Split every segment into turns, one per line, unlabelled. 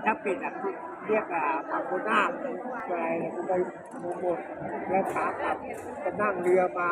ถ้าปิดอ่ะเรียกฝั่งโคราชอะไรกูไปหมดแล้วขากลับจะนั่งเรือมา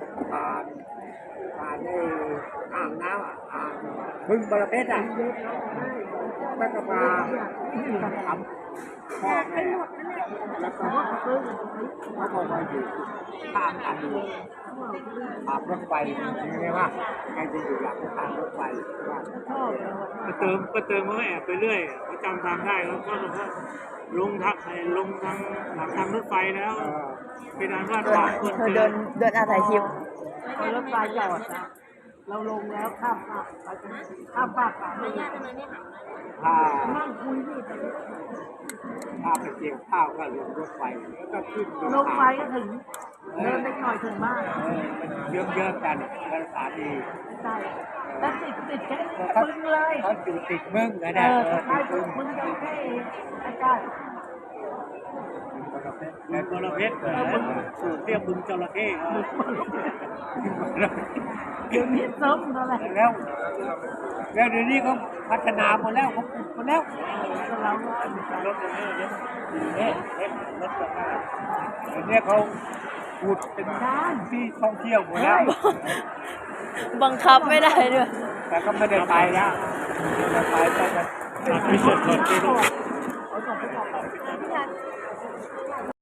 ผ่านในอ่างน้ำอ่างบึงบรเพชรแล้วก็มาทำพ่อแม่แล้วก็เขาบอกว่าอยู่ข้ามกันอยู่ขับรถไฟใช่ไหมใครจะอยู่หลังทางรถไฟว่า
ก็เติมก็แอบไปเรื่อยเขาจำทางได้แล้วก็บอกว่าลงทางหลังทางรถไฟแล้วเป็นอันว่าผ่านคน
เธอเดินอาศัยคลิป
พอรถไฟจอดนะเราลงแล้วข้ามฟากไปไม่ได้
ถ้า
นั่งคุยนี่
ถ้าไปเกี่ยวข้าวก็ลงรถไฟแล้วก็ขึ้น
ลงไฟก็ถึงเดินไปหน่อยถึงบ้าน
มันเยอะๆกันภาษาดี
ใช่แต่ติดแค่มึงเลย
เขาอยู่ติดมึงนะ
ใช่มึงจะแค่ใกล้
บึงบรเพชรเรียกบึงจระเข้ครับ
เดี๋ยวนี้ซ้ำอะไร
แล้วเดี๋ยวนี้เขาพัฒนาหมดแล้วเขาปลูกหมดแล้ว
เรา
รถเนี่ยรถจระเข้
เดี๋ยวนี้เขาพูดเป็นที่ท่องเที่ยวหมดแล้ว
บังคับไม่ได้ด้วย
แต่ก็ไม่ได้ไปนะไปแต่
ไม่สดไปดู
เขาส่งไปบอก